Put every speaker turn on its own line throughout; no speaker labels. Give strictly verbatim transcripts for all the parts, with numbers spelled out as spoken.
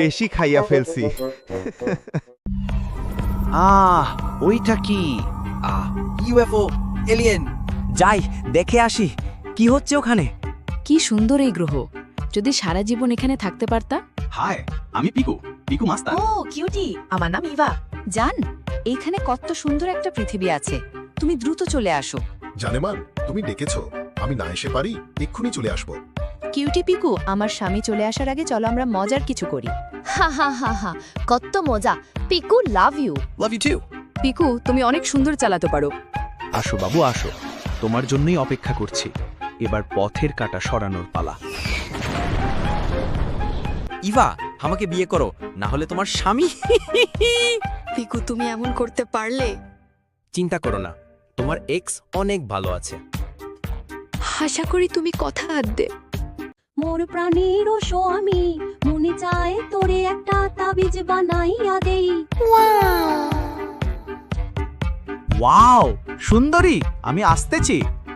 বেশি খাইয়া ফেলছি।
আহ ওইটা কি? আহ ইউএফও, এলিয়েন। যাই দেখে আসি কি হচ্ছে ওখানে।
কি সুন্দর এই গ্রহ, যদি সারা জীবন এখানে থাকতে পারতা।
হাই, আমি পিকু, পিকু মাস্টার।
ও কিউটি, আমার নাম ইভা।
জান, এইখানে কত সুন্দর একটা পৃথিবী আছে, তুমি দ্রুত চলে আসো।
জানেমান, তুমি ডেকেছো, আমি না এসে পারি, এক্ষুনি চলে আসবো।
কিউটি পিকু, আমার স্বামী চলে আসার আগে চলো আমরা মজার কিছু করি।
হা হা হা হা, কত মজা। Piku love you.
Love you too.
Piku, তুমি অনেক সুন্দর চালাতে পারো।
আসো বাবু আসো, তোমার জন্যই অপেক্ষা করছি। এবার পথের কাঁটা সরানোর পালা। ইভা, আমাকে বিয়ে করো, না হলে তোমার স্বামী।
পিকু, তুমি এমন করতে পারলে?
চিন্তা করো না, তোমার এক্স অনেক ভালো আছে।
আশা করি তুমি কথা আদবে।
মোর প্রাণীর স্বামী, মনে চায় তোরে একটা তাবিজ বানাইয়া দেই।
ওয়াও সুন্দরী, আমি আসতেছি।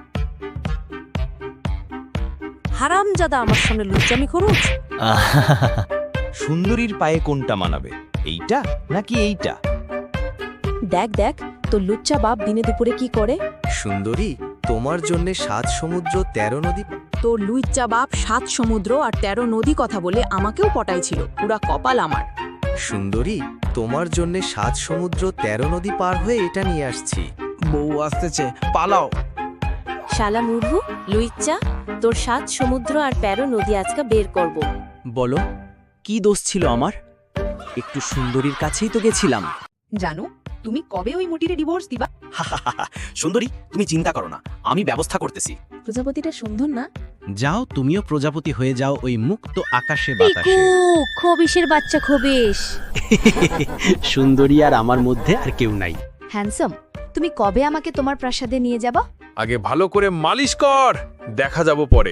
হারামজাদা, আমার সামনে লুচ্চামি খরচ।
সুন্দরীর পায়ে কোনটা মানাবে, এইটা নাকি এইটা?
দেখ দেখ, তোর লুচ্চা বাপ দিনে দুপুরে কি করে।
সুন্দরী, তোমার জন্য সাত সমুদ্র তেরো নদী।
তোর লুচ্চা বাপ সাত সমুদ্র আর তেরো নদী কথা বলে আমাকেও পটাইছিল, পুরা কপাল আমার।
সুন্দরী, তোমার জন্য সাত সমুদ্র তেরো নদী পার হয়ে এটা নিয়ে আসছি। বউ আসতেছে, পালাও।
শালা মুরহু, লুইচ্চা, তোর সাত সমুদ্র আর তেরো নদী আজকে বের করব।
বলো, কি দোষ ছিল আমার? একটু সুন্দরীর কাছেই তো গেছিলাম।
জানো, তুমি কবে ওই মুটিরে ডিভোর্স দিবা?
সুন্দরী, তুমি চিন্তা করো না, আমি ব্যবস্থা করতেছি।
প্রজাপতিটা সুন্দর না?
যাও, তুমিও প্রজাপতি হয়ে যাও ওই মুক্ত আকাশে বাতাসে।
পিকু, খবিশের বাচ্চা খবিশ।
সুন্দরী আর আমার মধ্যে আর কেউ নাই।
হ্যান্ডসাম, তুমি কবে আমাকে তোমার প্রাসাদে নিয়ে যাবা?
আগে ভালো করে মালিশ কর, দেখা যাব পরে।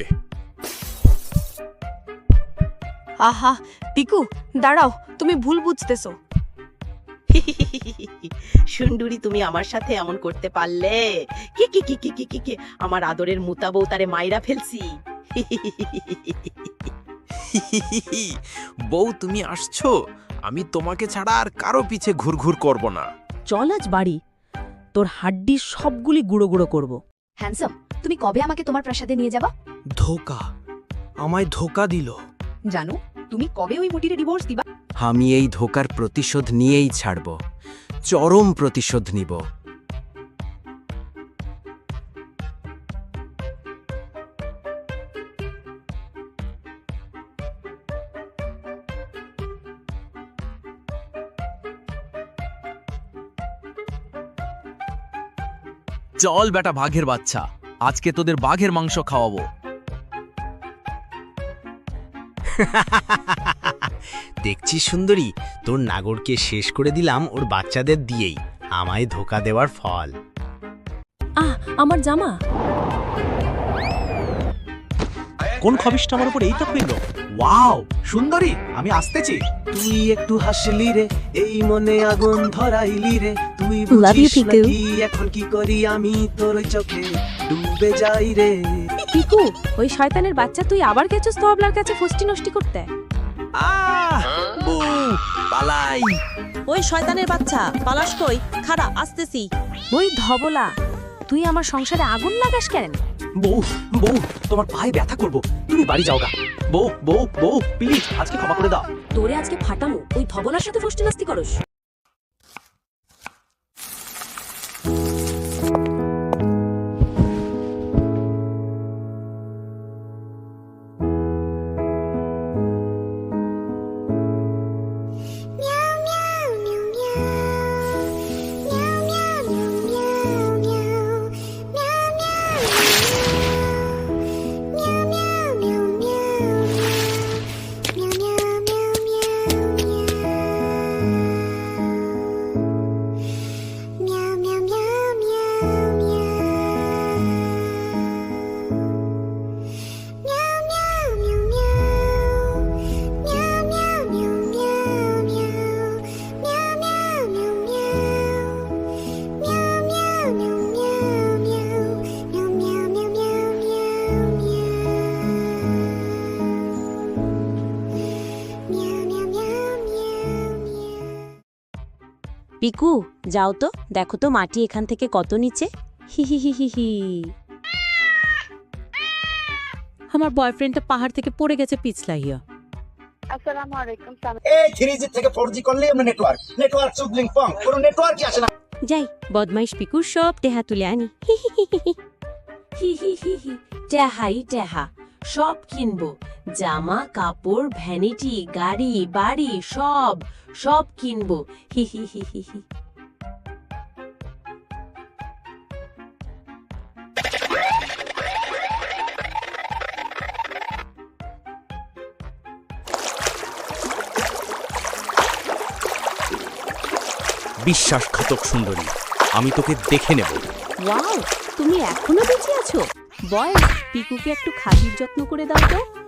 আহা পিকু, দাঁড়াও, তুমি ভুল বুঝতেছো।
সুন্দরী, তুমি আমার সাথে এমন করতে পারলে? কি কি কি কি কি কি কি আমার আদরের মুতা বউ তারে মাইরা ফেলছি।
বউ, তুমি আসছো, আমি তোমাকে ছাড়া আর কারো পিছে ঘুরঘুর করব না।
চল আজ বাড়ি, তোর হাড্ডি সবগুলি গুঁড়ো গুঁড়ো করব।
হ্যান্ডসাম, তুমি কবে আমাকে তোমার প্রাসাদে নিয়ে যাবা?
ধোকা, আমায় ধোকা দিল।
জানো, তুমি কবে ওই মুটিরে ডিভোর্স দিবা?
আমি এই ধোকার প্রতিশোধ নিয়েই ছাড়ব, চরম প্রতিশোধ নিব। চল বেটা বাঘের বাচ্চা, আজকে তোদের বাঘের মাংস খাওয়াবো। দেখছিস সুন্দরী, তোর নাগরকে শেষ করে দিলাম ওর বাচ্চাদের দিয়েই, আমায় ধোকা দেওয়ার ফল।
আহ, আমার জামা।
কোন খবিশটা আমার উপর এই তো পেল? ওয়াও সুন্দরী, আমি আসতেছি। তুই একটু হাসলি রে, এই মনে আগুন ধরাইলি রে। তুই
Love you,
বুঝিস না
পিকু।
কি এখন কি করি আমি, তোর ওই চোখে ডুবে যাই রে।
পিকু, ওই শয়তানের বাচ্চা, তুই আবার গেছিস তো আবলার কাছে ফষ্টি নষ্টি করতে?
আহ বউ, পালাই।
ওই শয়তানের বাচ্চা, পালাস কই? খাড়া, আসতেছি। ওই ধবলা, তুই আমার সংসারে আগুন লাগাস কেন?
বউ বউ, তোমার পায়ে ব্যথা করব, তুমি বাড়ি যাও গা। বউ বউ বউ, প্লিজ আজকে ক্ষমা করে দাও।
তোরে আজকে ফাটামো, ওই ধবলার সাথে ফষ্টি নষ্টি করস। পিকু যাও তো দেখো তো মাটি এখান থেকে কত নিচে হি হি হি হি হি আমার বয়ফ্রেন্ডটা পাহাড় থেকে পড়ে গেছে পিছলাইয়া
এই থ্রি জি থেকে ফোর জি করলে আমরা নেটওয়ার্ক নেটওয়ার্ক সুদলিং পং কোনো নেটওয়ার্কই আসে না।
যাই বদমাইশ পিকু সব টেহা তুলে আনি হি হি হি হি হি হি হি হি টেহাই টেহা সব কিনবো জামা কাপড় ভ্যানিটি গাড়ি বাড়ি সব সব কিনবো হি হি হি হি হি
বিশ্বাসঘাতক সুন্দরী, আমি তোকে দেখে নেব।
ওয়াও তুমি এখনো বেঁচে আছো বয় পিকুকে একটু খাতির যত্ন করে দাও তো